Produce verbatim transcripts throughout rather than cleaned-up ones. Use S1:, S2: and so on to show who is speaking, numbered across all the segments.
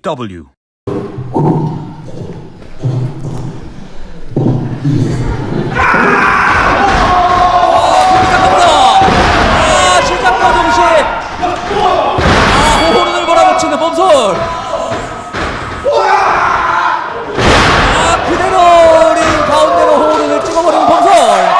S1: W.
S2: 아, 시작과 동시에 아, 호호른을 몰아붙이는 범솔. 아, 그대로 링 가운데로 호호른을 찍어버리는 범솔.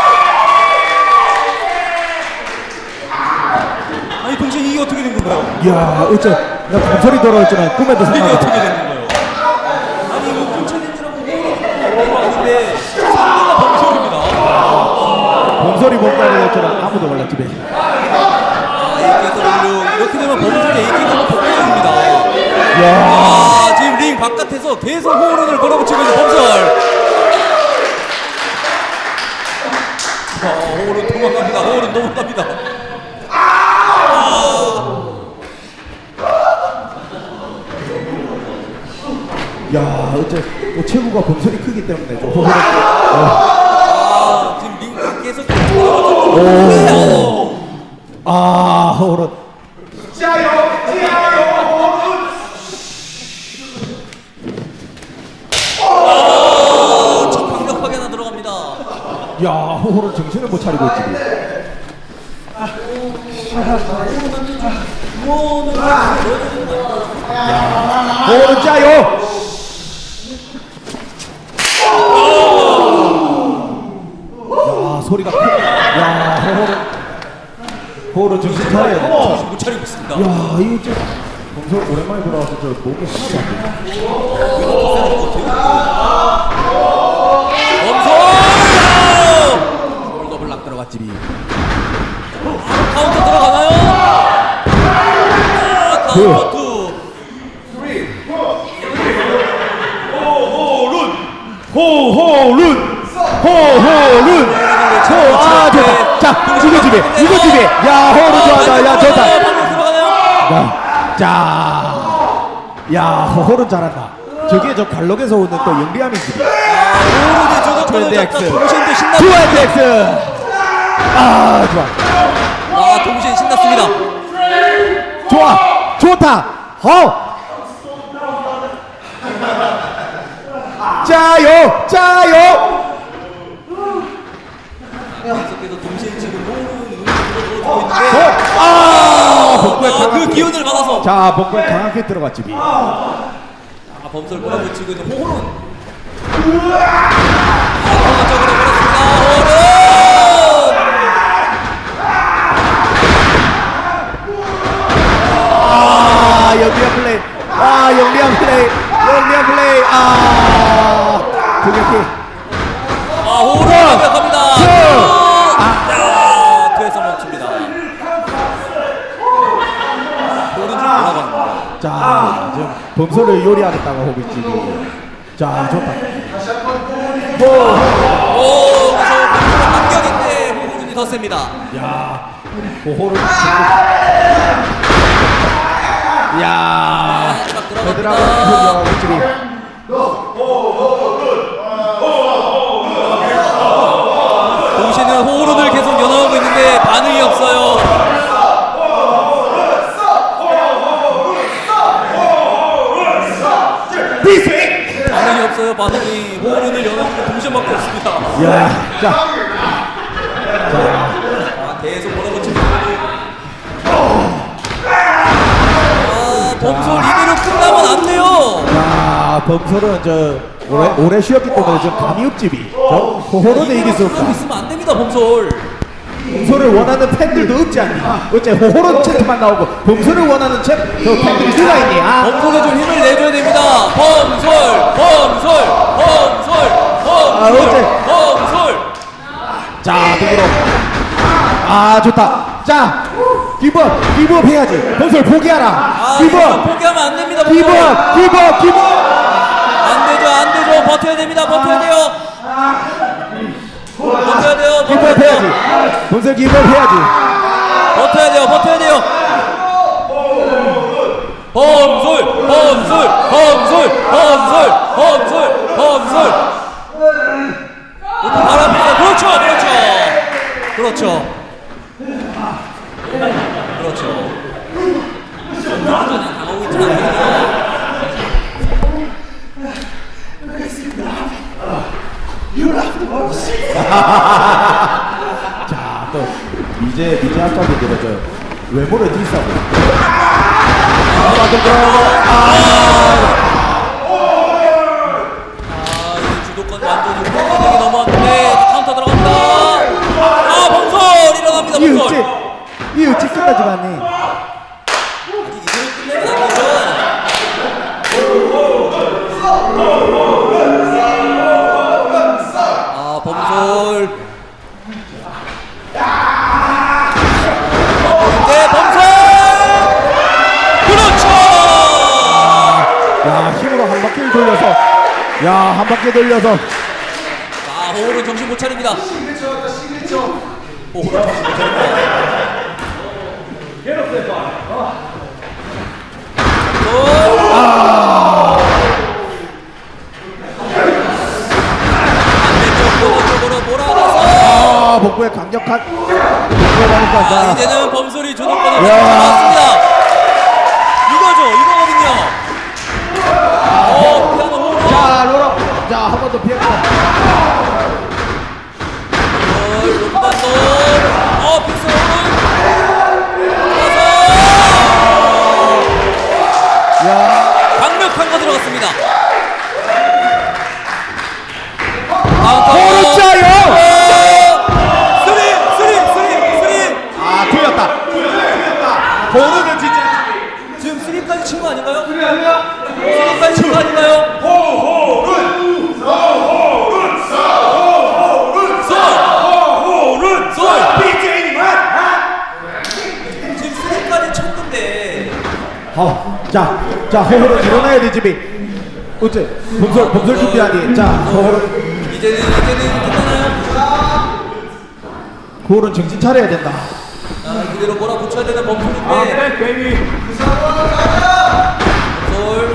S2: 아니, 동시에 이게 어떻게 된 건가요?
S3: 이야, 어째 나 범솔이 돌아왔지만 꿈에도
S2: 이게
S3: 생각
S2: 어떻게
S3: 못
S2: 된 건가요? 아니, 이거 군 챌린지라고 호호른을 왔는데 상대가 범솔입니다.
S3: 범솔이 뭔가를 했지만 아무도 몰랐지.
S2: 에이케이더블유 이렇게 되면 범솔이 에이케이더블유 복귀입니다.
S3: 이야,
S2: 아, 지금 링 바깥에서 계속 호흡을 몰아붙이고 있는 범솔. 아, 호흡은 도망갑니다. 호흡은 도망갑니다.
S3: 야, 어째 또 체구가 범솔이 크기 때문에 좀 호흡을.
S2: 아, 지금 링 밖에서
S3: 오. 아, 호흡은.
S2: 아, 첫 강력하게 하나 들어갑니다.
S3: 야, 호흡은 정신을 못 차리고 있지. 호흡은 짜요. 야, 소리가 크. 야, 호흡은. 호흡은 정신 차려야 돼.
S2: 정신 못 차리고 있습니다.
S3: 야, 이거 진짜 범솔 오랜만에 돌아와서 저 목이 하나도 안 돼.
S2: 범솔! 서울 더블락 들어갔지. 카운터 들어가나요? 아, 카운터 투.
S3: 호호룬 호호룬 호, 아, 좋다. 자, 이거 집에 이거 집에 야, 호흡은 좋아하다. 야, 좋다.
S2: 방금 들어가나요?
S3: 야, 자, 야, 호흡은 잘한다. 저게 저 갈록에서 오는 또 영리함이 집이.
S2: 호흡이 저격권을 잡다.
S3: 트렌드
S2: 동시에 신났습니다.
S3: 투 엑스. 아, 좋아.
S2: 아, 동시에 신났습니다.
S3: 좋아, 좋다. 어. 짜요, 짜요.
S2: 계속해서 동시에 지금 호흡은 눈을 들어주고
S3: 어,
S2: 있는데
S3: 아, 복부에
S2: 아, 그
S3: 강하게.
S2: 기운을 받아서
S3: 자, 복부에 강하게 들어갔지.
S2: 아, 범설 몰아붙이고 있는 호흡은 아, 공격적으로 몰았습니다. 호흡은
S3: 아, 영리한 플레이. 아, 영리한 플레이. 영리한 플레이. 아, 등격기.
S2: 아, 호흡을 완벽합니다. 아, 뒤에서 멈춥니다. 호흡은 좀 올라갑니다.
S3: 자, 지금 범소를 요리하겠다고 하고 있지. 자, 좋다. 오,
S2: 오, 그래서 반격인데 호흡이 더 셉니다.
S3: 야, 호호를. 야,
S2: 딱
S3: 베드라가
S2: 들어갑니다.
S3: 공격하고 있지.
S2: 동시에는 호흡을 계속 연호하고 있는데 반응이 없어요. 반응이 없어요. 반응이 호흡을 연호하고 동시에밖에 없습니다.
S3: 야, 자,
S2: 아, 계속 몰아붙이고 아, 범솔 이대로 끝나면 안 돼요.
S3: 야, 범소는 저 오래 오래 쉬었기 때문에 저 감이 없집이. 저 호호로는 이길 수 없다.
S2: 있으면 안 됩니다. 범솔.
S3: 범소를 원하는 팬들도 없지 않니? 어째 호호로 채트만 나오고 범소를 원하는 채, 저 팬들이 누가 있니? 아,
S2: 범솔에 좀 힘을 내줘야 됩니다. 범솔, 범솔, 범솔,
S3: 아,
S2: 범솔,
S3: 어째?
S2: 범솔.
S3: 자, 등으로. 아, 좋다. 자, 기브업, 기브업 해야지. 범소를 포기하라.
S2: 아, 이거
S3: 기브업,
S2: 포기하면 안 됩니다. 범솔.
S3: 기브업, 기브업, 기브업.
S2: 안 되죠, 안 되죠. 버텨야 됩니다. 버텨야 돼요. 버텨야 돼요. 버텨야
S3: 기브업
S2: 돼요.
S3: 해야지. 범소 기브업 해야지.
S2: 버텨야 돼요. 버텨야 돼요. 범솔, 범솔, 범솔, 범솔, 범솔, 범솔. 바랍니다. 그렇죠, 그렇죠, 그렇죠, 그렇죠. 당하고 있지는 않거든요.
S3: 자, 또 이제 이제 아까도 들어줘요. 외모를 뒤싸고.
S2: 아, 이 주도권 완전히 공격이 넘어왔는데 카운터 들어갑니다. 아, 범솔 일어납니다.
S3: 이
S2: 범솔.
S3: 어찌 이 어찌 끝나지가 않네.
S2: 아직 이대로 끝내면 안 되죠. 아, 범솔. 네, 범솔. 그렇죠.
S3: 야, 힘으로 한 바퀴를 돌려서, 야, 한 바퀴 돌려서.
S2: 자, 호흡은 정신 못 차립니다. 호흡은 정신 못 차립니다.
S3: 아,
S2: 반대쪽으로 몰아가서
S3: 아, 복부에 강력한. 들어가니까,
S2: 아,
S3: 자,
S2: 이제는 범솔이 주도권을
S3: 야.
S2: 잡았습니다. 이거죠, 이거거든요. 어, 피아노 호흡.
S3: 자, 로라, 자, 한 번 더 피했고.
S2: 로브반도. 어, 픽스 호흡.
S3: 야,
S2: 강력한 거 들어갔습니다.
S3: 오른자요.
S2: 쓰리, 쓰리, 쓰리, 쓰리.
S3: 아, 틀렸다. 보르는 진짜.
S2: 지금 쓰리까지 친 거 아닌가요? 쓰리까지 친 거 아닌가요?
S1: 호호른 호호른 호호른 호호른
S2: 솔!
S1: 비제이만
S2: 지금 쓰리까지 쳤는데
S3: 어, 자, 자, 호흡을 일어나야 되지, 비. 어째, 범설, 범설 준비하니. 자, 호흡을,
S2: 이제는 이제는 끝나나요?
S3: 호흡은 정신 차려야 된다.
S2: 자, 그대로 몰아붙여야 되는 범솔인데
S1: 베이비
S2: 범솔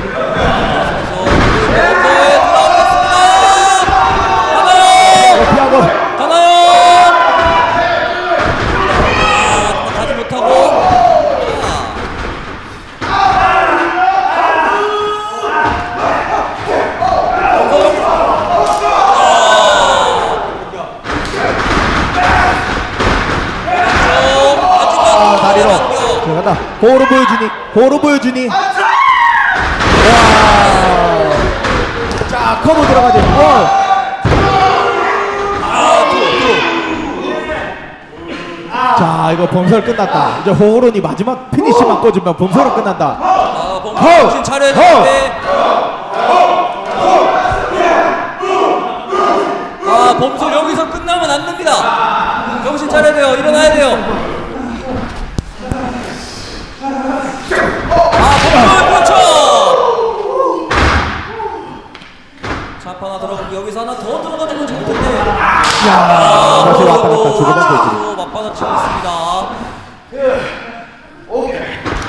S2: 범솔 들어오겠습니다. 가나요?
S3: 어, 피하고.
S2: 가나요? 아, 가지 못하고
S3: 아, 다리로. 들어간다. 호흡을 보여주니, 호흡을 보여주니. 와. 자, 커브 들어가지. 와. 자, 이거 범설 끝났다. 이제 호호론이 마지막 피니시만 꽂으면 범설은 끝난다.
S2: 아, 범
S3: 허!
S2: 정신 차려야
S3: 허!
S2: 되는데. 아, 범솔 여기서 끝나면 안 됩니다. 정신 차려야 돼요. 일어나야 돼요. 아, 범솔 그렇죠. 잡 하나 들어가고 여기서 하나 더 들어가주면 좋을 텐데.
S3: 야, 다시 왔다 갔다 주고받고 있지.
S2: 아, 맞받아치고 있습니다. 골.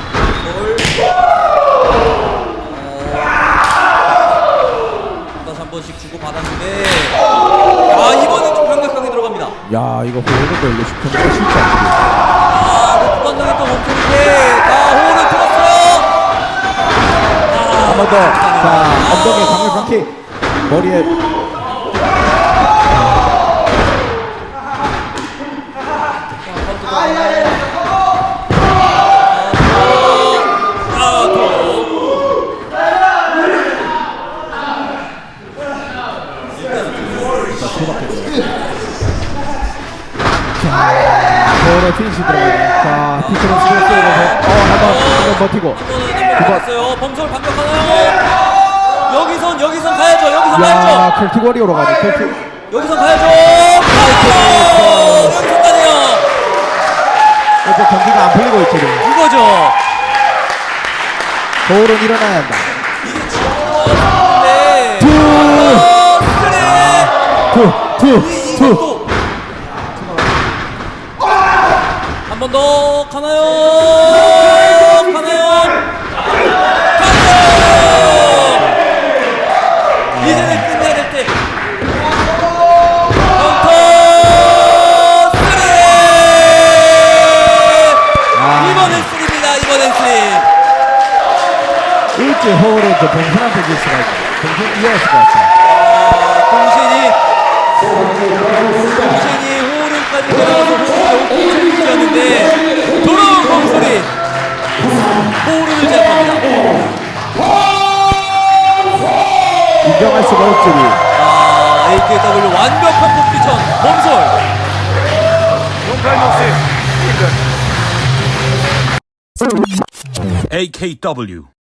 S2: 다시 한 번씩 주고 받았는데, 아, 이번엔 좀 강력하게 들어갑니다.
S3: 야, 이거 호호론도 이거 쉽게 쉽지 않지.
S2: 아, 높은 반동이 또 멈추는데, 아, 호흡을 들었어요.
S3: 한 번 더. 자, 엉덩이에 강력한 킥. 머리에. 호호론 피니시 들어가네. 자, 피처는 스트레스 들어서. 어, 한 번, 한 번 버티고.
S2: 한번했어요 범솔 반격하나요? 여기선 여기선 가야죠. 여기선
S3: 야,
S2: 가야죠.
S3: 켈틱 워리어로 가네. 켈틱.
S2: 여기선 가야죠. 아, 여기선 가네요.
S3: 이제 경기가 안 풀리고 있지. 지금.
S2: 이거죠.
S3: 호호론 일어나야 한다.
S2: 네.
S3: 투,
S2: 어, 쓰리.
S3: 투, 투, 투.
S2: 이것도 한 번 더 가나요? 가나요? 가나요? 이제는 끝내야 될 때. 카운터 쓰리.
S3: 아.
S2: 이번엔 쓰리입니다. 이번엔 쓰리.
S3: 일찍 호호론 저 봉선한테 질 수가 있어. 봉선 이어갈 수가 있어.
S2: 공신이 이신이 호른까지 들어가서 호른을 오픈 챌린지였는데 돌아온 범소리 호른을 제압합니다.
S3: 인정할 수가 없지.
S2: 아, 에이케이더블유 완벽한 콤비션 범솔.
S1: 에이케이더블유